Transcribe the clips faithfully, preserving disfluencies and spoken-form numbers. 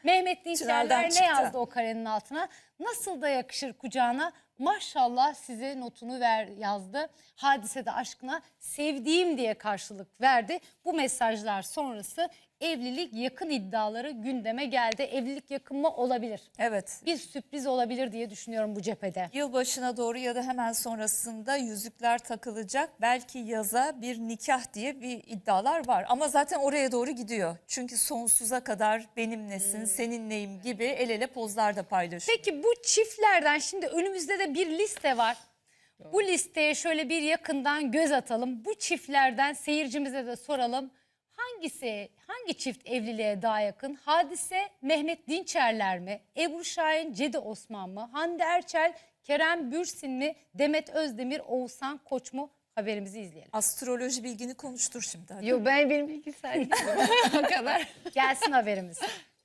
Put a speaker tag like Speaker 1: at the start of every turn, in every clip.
Speaker 1: Mehmet Dinçerler ne
Speaker 2: çıktı.
Speaker 1: yazdı o karenin altına? Nasıl da yakışır kucağına? Maşallah size notunu ver yazdı. Hadise de aşkına sevdiğim diye karşılık verdi. Bu mesajlar sonrası evlilik yakın iddiaları gündeme geldi. Evlilik yakın mı? Olabilir.
Speaker 2: Evet.
Speaker 1: Bir sürpriz olabilir diye düşünüyorum bu cephede.
Speaker 2: Yılbaşına doğru ya da hemen sonrasında yüzükler takılacak. Belki yaza bir nikah diye bir iddialar var. Ama zaten oraya doğru gidiyor. Çünkü sonsuza kadar benimlesin,
Speaker 1: Hmm.
Speaker 2: seninleyim gibi el ele pozlar da paylaşıyor.
Speaker 1: Peki bu çiftlerden şimdi önümüzde de bir liste var. Bu listeye şöyle bir yakından göz atalım. Bu çiftlerden seyircimize de soralım. Hangisi, hangi çift evliliğe daha yakın? Hadise, Mehmet Dinçerler mi? Ebru Şahin, Cedi Osman mı? Hande Erçel, Kerem Bürsin mi? Demet Özdemir, Oğuzhan Koç mu? Haberimizi izleyelim.
Speaker 2: Astroloji bilgini konuştur şimdi. Hadi.
Speaker 3: Yo, ben benim bilgisayar o kadar.
Speaker 1: Gelsin haberimiz.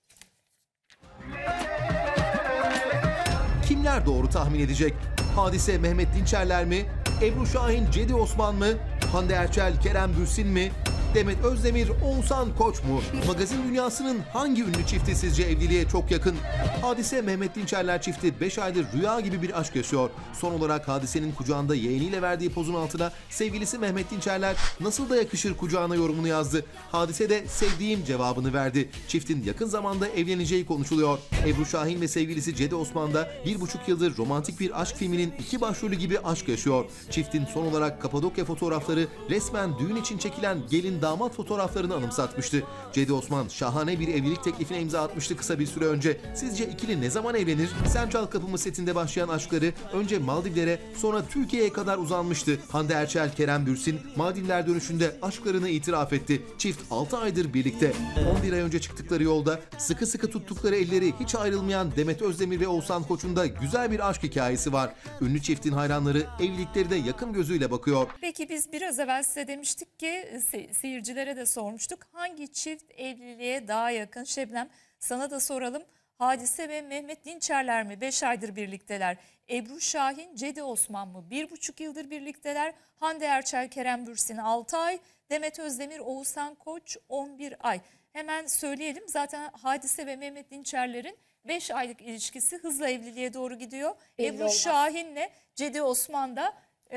Speaker 4: Kimler doğru tahmin edecek? Hadise Mehmet Dinçerler mi? Ebru Şahin, Cedi Osman mı? Hande Erçel, Kerem Bürsin mi? Demet Özdemir, Oğuzhan Koç mu? Magazin dünyasının hangi ünlü çifti sizce evliliğe çok yakın? Hadise Mehmet Dinçerler çifti beş aydır rüya gibi bir aşk yaşıyor. Son olarak Hadise'nin kucağında yeğeniyle verdiği pozun altına sevgilisi Mehmet Dinçerler nasıl da yakışır kucağına yorumunu yazdı. Hadise de sevdiğim cevabını verdi. Çiftin yakın zamanda evleneceği konuşuluyor. Ebru Şahin ve sevgilisi Cedi Osman da bir buçuk yıldır romantik bir aşk filminin iki başrolü gibi aşk yaşıyor. Çiftin son olarak Kapadokya fotoğrafları resmen düğün için çekilen gelin damat fotoğraflarını anımsatmıştı. Cedi Osman şahane bir evlilik teklifine imza atmıştı kısa bir süre önce. Sizce ikili ne zaman evlenir? Sen Çal Kapımı setinde başlayan aşkları önce Maldivlere sonra Türkiye'ye kadar uzanmıştı. Hande Erçel, Kerem Bürsin Maldivler dönüşünde aşklarını itiraf etti. Çift altı aydır birlikte. on bir ay önce çıktıkları yolda sıkı sıkı tuttukları elleri hiç ayrılmayan Demet Özdemir ve Oğuzhan Koç'un da güzel bir aşk hikayesi var. Ünlü çiftin hayranları evlilikleri de yakın gözüyle bakıyor.
Speaker 2: Peki biz biraz evvel size demiştik ki se- seyircilere de sormuştuk. Hangi çift evliliğe daha yakın? Şebnem, sana da soralım. Hadise ve Mehmet Dinçerler mi? beş aydır birlikteler. Ebru Şahin, Cedi Osman mı? bir buçuk yıldır birlikteler. Hande Erçel, Kerem Bürsin altı ay. Demet Özdemir, Oğuzhan Koç on bir ay. Hemen söyleyelim, zaten Hadise ve Mehmet Dinçerler'in beş aylık ilişkisi hızla evliliğe doğru gidiyor.
Speaker 1: Belli
Speaker 2: Ebru
Speaker 1: olmaz.
Speaker 2: Şahin'le Cedi Osman da e,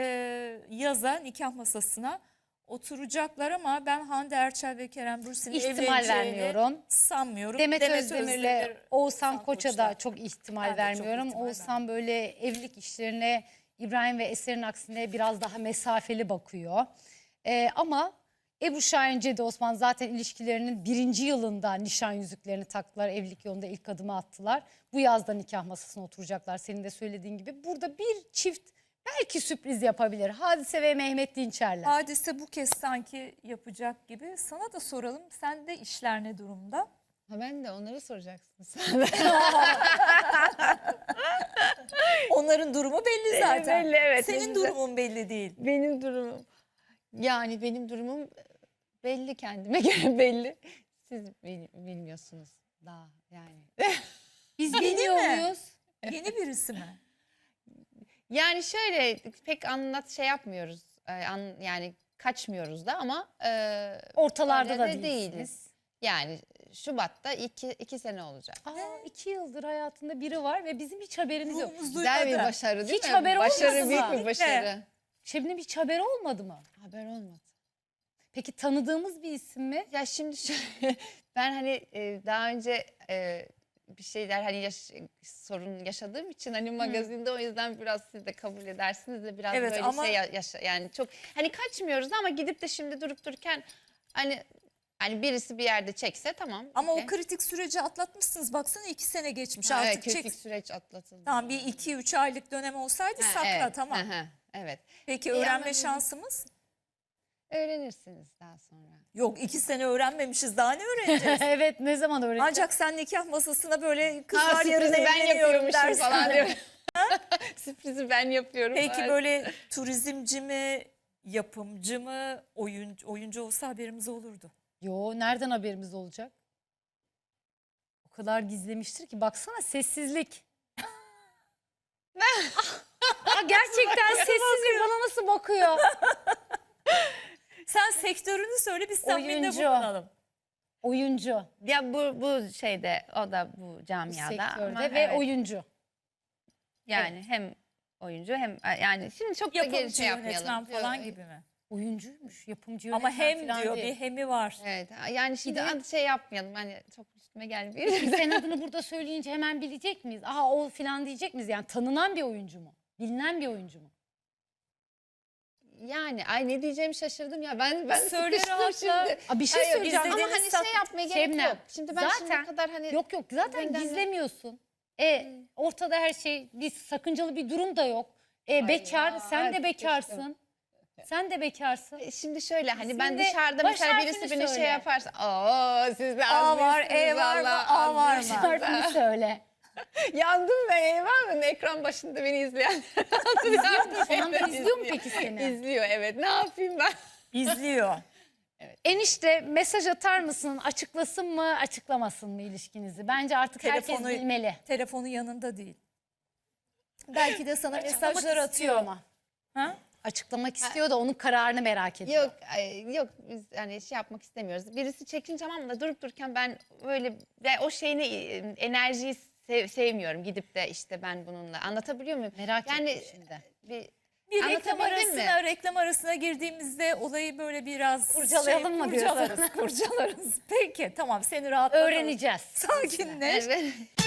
Speaker 2: yaza nikah masasına oturacaklar ama ben Hande Erçel ve Kerem Bürsin'in
Speaker 1: İhtimal
Speaker 2: evleneceğini
Speaker 1: vermiyorum.
Speaker 2: sanmıyorum.
Speaker 1: Demet,
Speaker 2: Demet
Speaker 1: Özdemir'le
Speaker 2: Özdemir,
Speaker 1: Oğuzhan Koç'a da
Speaker 2: Koç'la.
Speaker 1: çok ihtimal
Speaker 2: Ben de çok
Speaker 1: vermiyorum.
Speaker 2: ihtimal
Speaker 1: Oğuzhan böyle evlilik işlerine İbrahim ve Eser'in aksine biraz daha mesafeli bakıyor. Ee, ama Ebru Şahin, Cedi Osman zaten ilişkilerinin birinci yılında nişan yüzüklerini taktılar. Evlilik yolunda ilk adımı attılar. Bu yazda nikah masasına oturacaklar senin de söylediğin gibi. Burada bir çift belki sürpriz yapabilir. Hadise ve Mehmet Dinçerler.
Speaker 2: Hadise bu kez sanki yapacak gibi. Sana da soralım. Sende işler ne durumda?
Speaker 3: Ha, ben de onları soracaksın sen.
Speaker 2: Onların durumu belli zaten.
Speaker 3: belli, evet,
Speaker 2: Senin
Speaker 3: belli.
Speaker 2: durumun belli değil.
Speaker 3: Benim durumum. Yani benim durumum belli, kendime göre belli. Siz bil- bilmiyorsunuz daha yani.
Speaker 1: Biz
Speaker 2: Yeni
Speaker 1: biliyor
Speaker 2: mi?
Speaker 1: muyuz?
Speaker 2: Yeni birisi mi?
Speaker 3: Yani şöyle pek anlat şey yapmıyoruz. Ee, an- yani kaçmıyoruz da ama e,
Speaker 1: Ortalarda
Speaker 3: öyle
Speaker 1: da
Speaker 3: de
Speaker 1: değilsiniz.
Speaker 3: Yani Şubat'ta iki, iki sene olacak.
Speaker 1: Aa, iki yıldır hayatında biri var ve bizim hiç haberimiz yok.
Speaker 2: Ruhumuz
Speaker 3: Güzel bir
Speaker 2: duymadı.
Speaker 3: başarı değil
Speaker 1: Hiç
Speaker 3: mi?
Speaker 1: haber
Speaker 3: Başarı
Speaker 1: olmadı
Speaker 3: büyük
Speaker 1: mı?
Speaker 3: bir başarı.
Speaker 1: Şebnem hiç haberi olmadı mı?
Speaker 3: Haber olmadı.
Speaker 1: Peki tanıdığımız bir isim mi?
Speaker 3: Ya şimdi şöyle, ben hani e, daha önce e, bir şeyler hani yaş- sorun yaşadığım için hani magazinde o yüzden biraz siz de kabul edersiniz de biraz
Speaker 2: Evet,
Speaker 3: böyle
Speaker 2: ama-
Speaker 3: şey ya- yaşa yani çok hani kaçmıyoruz ama gidip de şimdi durup dururken hani hani birisi bir yerde çekse tamam.
Speaker 2: Ama
Speaker 3: okey.
Speaker 2: o kritik süreci atlatmışsınız. Baksana iki sene geçmiş
Speaker 3: Ha,
Speaker 2: artık.
Speaker 3: evet, kritik
Speaker 2: çek.
Speaker 3: süreç atlatıldı.
Speaker 2: Tamam, bir iki üç aylık dönem olsaydı
Speaker 3: Ha,
Speaker 2: sakla,
Speaker 3: evet,
Speaker 2: tamam.
Speaker 3: hı hı, evet.
Speaker 2: Peki
Speaker 3: İyi,
Speaker 2: öğrenme
Speaker 3: anladım.
Speaker 2: şansımız?
Speaker 3: Öğrenirsiniz daha sonra.
Speaker 2: Yok, iki sene öğrenmemişiz, daha ne öğreneceğiz?
Speaker 1: Evet, ne zaman öğreneceğiz?
Speaker 2: Ancak sen nikah masasına böyle
Speaker 3: Ha,
Speaker 2: kızlar yarın
Speaker 3: sürprizi ben
Speaker 2: evleniyorum
Speaker 3: yapıyormuşum
Speaker 2: dersin.
Speaker 3: falan diyor. Sürprizi ben yapıyorum.
Speaker 2: Peki
Speaker 3: Evet.
Speaker 2: böyle turizmci mi, yapımcı mı, oyuncu, oyuncu olsa haberimiz olurdu.
Speaker 1: Yo, nereden haberimiz olacak? O kadar gizlemiştir ki baksana sessizlik. Aa, gerçekten sessizlik bana nasıl bakıyor?
Speaker 2: Sen sektörünü söyle, biz tahminde
Speaker 1: Oyuncu.
Speaker 2: bulunalım.
Speaker 1: Oyuncu.
Speaker 3: Ya bu bu şeyde o da bu
Speaker 1: Bu
Speaker 3: camiada
Speaker 1: sektörde
Speaker 3: ama
Speaker 1: ve
Speaker 3: evet,
Speaker 1: oyuncu.
Speaker 3: yani hem oyuncu hem yani şimdi çok da geri
Speaker 2: Yapımcı,
Speaker 3: şey
Speaker 2: yönetmen
Speaker 3: yapmayalım.
Speaker 2: falan
Speaker 3: Ee,
Speaker 2: gibi mi?
Speaker 1: Oyuncuymuş, yapımcı
Speaker 2: Ama
Speaker 1: yönetmen
Speaker 2: hem
Speaker 1: falan
Speaker 2: diyor
Speaker 1: değil.
Speaker 2: bir hemi var.
Speaker 3: Evet yani şimdi
Speaker 1: de-
Speaker 3: adı şey yapmayalım hani çok üstüme gelmiyor.
Speaker 1: Sen adını burada söyleyince hemen bilecek miyiz? Aha o falan diyecek miyiz? Yani tanınan bir oyuncu mu? Bilinen bir oyuncu mu?
Speaker 3: Yani ay ne diyeceğimi şaşırdım ya ben ben
Speaker 2: Söyle
Speaker 3: sıkıştım
Speaker 2: rahatla.
Speaker 3: şimdi.
Speaker 1: Aa, bir şey
Speaker 3: Hayır,
Speaker 1: söyleyeceğim.
Speaker 3: ama
Speaker 2: izlediğiniz
Speaker 3: hani
Speaker 2: tat-
Speaker 3: şey yapmaya gerek
Speaker 1: Şebnem,
Speaker 3: yok. Şimdi ben
Speaker 1: zaten-
Speaker 3: şimdiye kadar hani
Speaker 1: Yok yok zaten
Speaker 3: benden-
Speaker 1: gizlemiyorsun. E ortada her şey bir sakıncalı bir durum da yok. E bekar,
Speaker 3: ya,
Speaker 1: sen de
Speaker 3: evet,
Speaker 1: bekarsın. Sen de bekarsın.
Speaker 3: E, şimdi şöyle hani ben
Speaker 1: Şimdi
Speaker 3: dışarıda
Speaker 1: baş
Speaker 3: mesela birisi
Speaker 1: harfini
Speaker 3: beni
Speaker 1: söyle.
Speaker 3: şey yaparsa aa siz de
Speaker 2: A var,
Speaker 3: azmışsınız
Speaker 2: E var mı,
Speaker 3: valla,
Speaker 2: A var mı?
Speaker 3: azmışsınız.
Speaker 1: Harfini söyle.
Speaker 3: Yandım ben eyvah mı? Ekran başında beni izleyen.
Speaker 1: İzliyor mu? Şu anda
Speaker 3: Evet,
Speaker 1: izliyor mu peki seni?
Speaker 3: İzliyor evet ne yapayım ben?
Speaker 2: İzliyor.
Speaker 1: Enişte mesaj atar mısın? Açıklasın mı, açıklamasın mı ilişkinizi? Bence artık herkes
Speaker 2: Telefonu,
Speaker 1: bilmeli.
Speaker 2: telefonu yanında değil. Belki de sana mesajlar
Speaker 1: Açıklamak istiyor
Speaker 2: atıyor.
Speaker 1: ama.
Speaker 2: Ha?
Speaker 1: Açıklamak istiyor da onun kararını merak ediyor.
Speaker 3: Yok ay, yok biz hani şey yapmak istemiyoruz. Birisi çekince tamam da durup dururken ben böyle ve o şeyini e, enerjiyi sev- sevmiyorum. Gidip de işte ben bununla anlatabiliyor muyum?
Speaker 1: Merak
Speaker 3: yani
Speaker 1: ettim şimdi.
Speaker 3: bir
Speaker 2: Bir reklam
Speaker 3: Anlatabildim mi?
Speaker 2: arasına, reklam arasına girdiğimizde olayı böyle biraz
Speaker 1: Kurcalayalım mı diyorsun?
Speaker 2: kurcalarız, kurcalarız. Peki tamam seni rahatlatalım.
Speaker 1: Öğreneceğiz.
Speaker 2: Sakinleş.
Speaker 3: evet.